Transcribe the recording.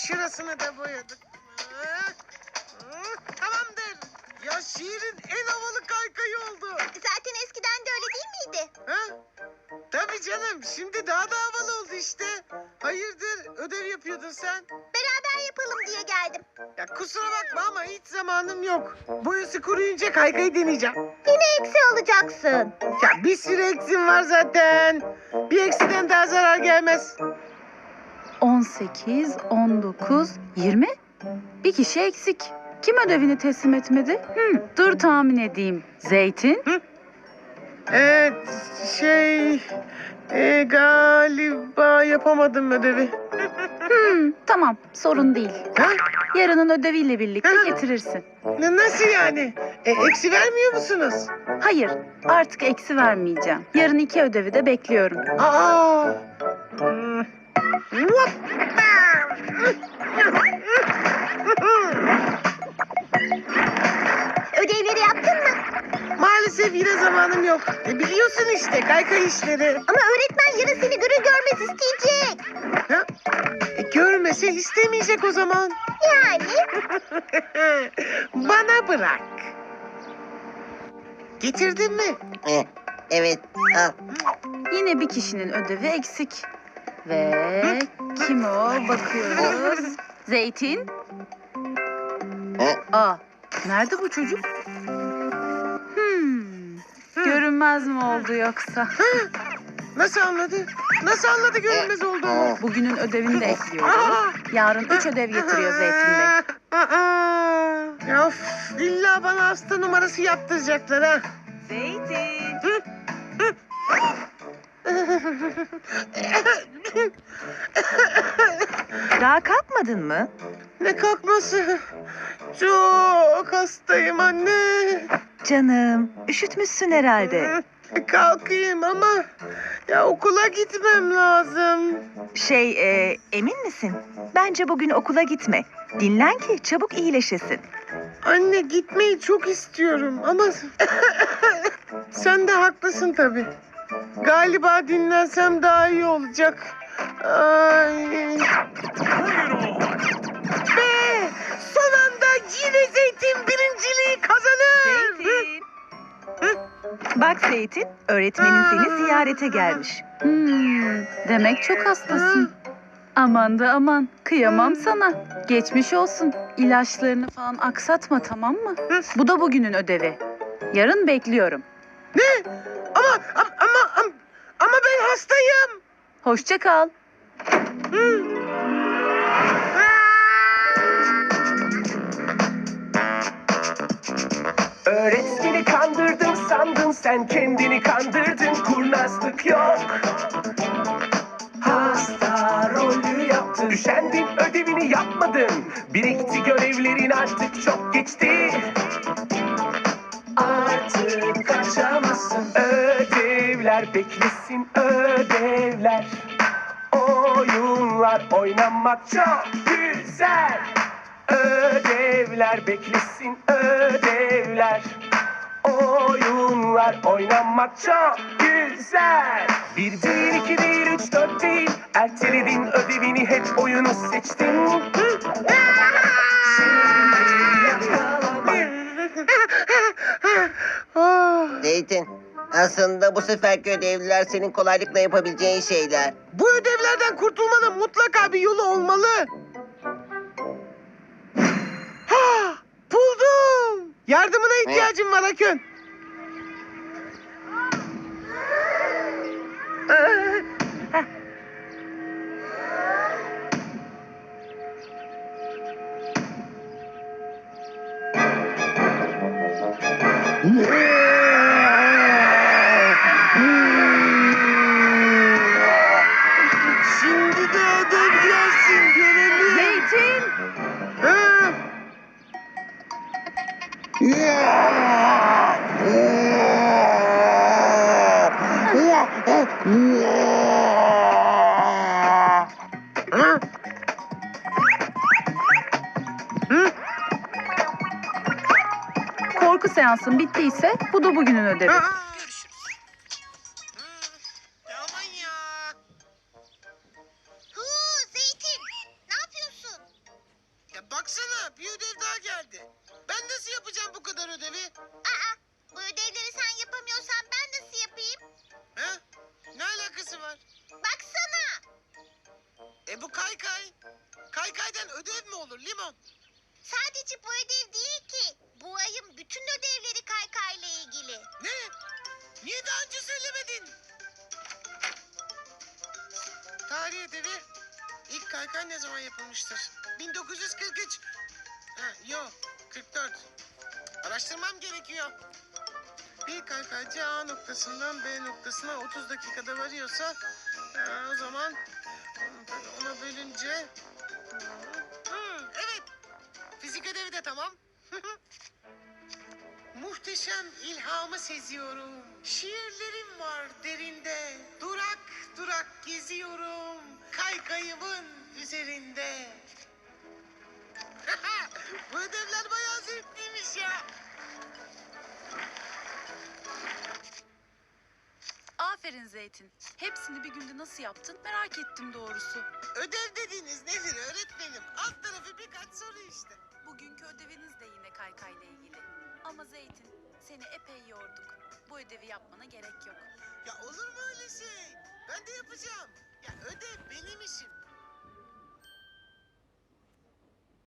Şurasını da boyadık. Tamamdır. Ya şehrin en havalı kaykayı oldu. Zaten eskiden de öyle değil miydi? Ha? Tabii canım. Şimdi daha da havalı oldu işte. Hayırdır? Ödev yapıyordun sen. Beraber yapalım diye geldim. Ya kusura bakma ama hiç zamanım yok. Boyası kuruyunca kaykayı deneyeceğim. Yine eksi alacaksın. Ya bir sürü eksim var zaten. Bir eksiden daha zarar gelmez. 18, 19, 20. Bir kişi eksik. Kim ödevini teslim etmedi? Dur tahmin edeyim. Zeytin? Evet, galiba yapamadım ödevi. Tamam, sorun değil. Ha? Yarının ödeviyle birlikte getirirsin. Nasıl yani? Eksi vermiyor musunuz? Hayır, artık eksi vermeyeceğim. Yarın 2 ödevi de bekliyorum. Aa! Hmm. Ödevleri yaptın mı? Maalesef yine zamanım yok. Biliyorsun işte kaykay işleri. Ama öğretmen yarın seni görür görmez isteyecek. Ha? Görmese istemeyecek o zaman. Yani? Bana bırak. Getirdin mi? Evet. Al. Yine bir kişinin ödevi eksik. Ve kim o? Bakıyoruz. Zeytin? Aa, nerede bu çocuk? Görünmez mi oldu yoksa? Nasıl anladı? Nasıl anladı görünmez olduğumu? Bugünün ödevini de ekliyoruz. Yarın 3 ödev getiriyor Zeytin Bey. Ya of, illa bana hasta numarası yaptıracaklar ha. Zeytin. Daha kalkmadın mı? Ne kalkması? Çok hastayım anne. Canım, üşütmüşsün herhalde. Kalkayım ama ya okula gitmem lazım. Emin misin? Bence bugün okula gitme. Dinlen ki çabuk iyileşesin. Anne gitmeyi çok istiyorum ama sen de haklısın tabii. Galiba dinlensem daha iyi olacak. Ay. Be! Son anda yine Zeytin birinciliği kazanır. Zeytin. Bak Zeytin, öğretmenin seni ziyarete gelmiş. Demek çok hastasın. Aman da aman, kıyamam sana. Geçmiş olsun. İlaçlarını falan aksatma, tamam mı? Bu da bugünün ödevi. Yarın bekliyorum. Ama ben hastayım. Hoşça kal. Öğretmeni kandırdın sandın, sen kendini kandırdın, kurnazlık yok. Hasta rolü yaptın, üşendin, ödevini yapmadın. Birikti görevlerin, artık çok geçti. Artık kaçamazsın. Ödevler beklesin, ödevler. Oyunlar oynamak çok güzel. Ödevler beklesin, ödevler. Oyunlar oynamak çok güzel. 1 değil, 2 değil, 3, 4 değil. Erteledin ödevini, hep oyunu seçtin. Şimdi yakalamak. Zeytin, aslında bu seferki ödevler senin kolaylıkla yapabileceğin şeyler. Bu ödevlerden kurtulmanın mutlaka bir yolu olmalı. Ha, buldum. Yardımına ihtiyacım var Akın. Şimdi de ödev gelsin görelim. Zeytin! Ha? Ha? Korku seansın bittiyse bu da bugünün ödevi. Görüşürüz. Aman ya. Zeytin, ne yapıyorsun? alakası var? Baksana. Bu kaykay. Kaykaydan ödev mi olur Limon? Sadece bu ödev değil ki. Bu ayın bütün ödevleri kaykayla ilgili. Ne? Niye daha önce söylemedin? Tarih ödevi. İlk kaykay ne zaman yapılmıştır? 1943. Yok, 44. Araştırmam gerekiyor. Bir kaykaycı A noktasından B noktasına 30 dakikada varıyorsa o zaman ona bölünce evet. Fizik ödevi de tamam. Muhteşem ilhamı seziyorum. Şiirlerim var derinde. Durak durak geziyorum. Kaykayımın üzerinde. Bu ödevler bayağı zevkliymiş ya. Aferin Zeytin. Hepsini bir günde nasıl yaptın merak ettim doğrusu. Ödev dediğiniz nedir öğretmenim? Alt tarafı birkaç soru işte. Bugünkü ödeviniz de yine kaykayla ilgili. Ama Zeytin, seni epey yorduk. Bu ödevi yapmana gerek yok. Ya olur mu öyle şey? Ben de yapacağım. Ya ödev benim işim.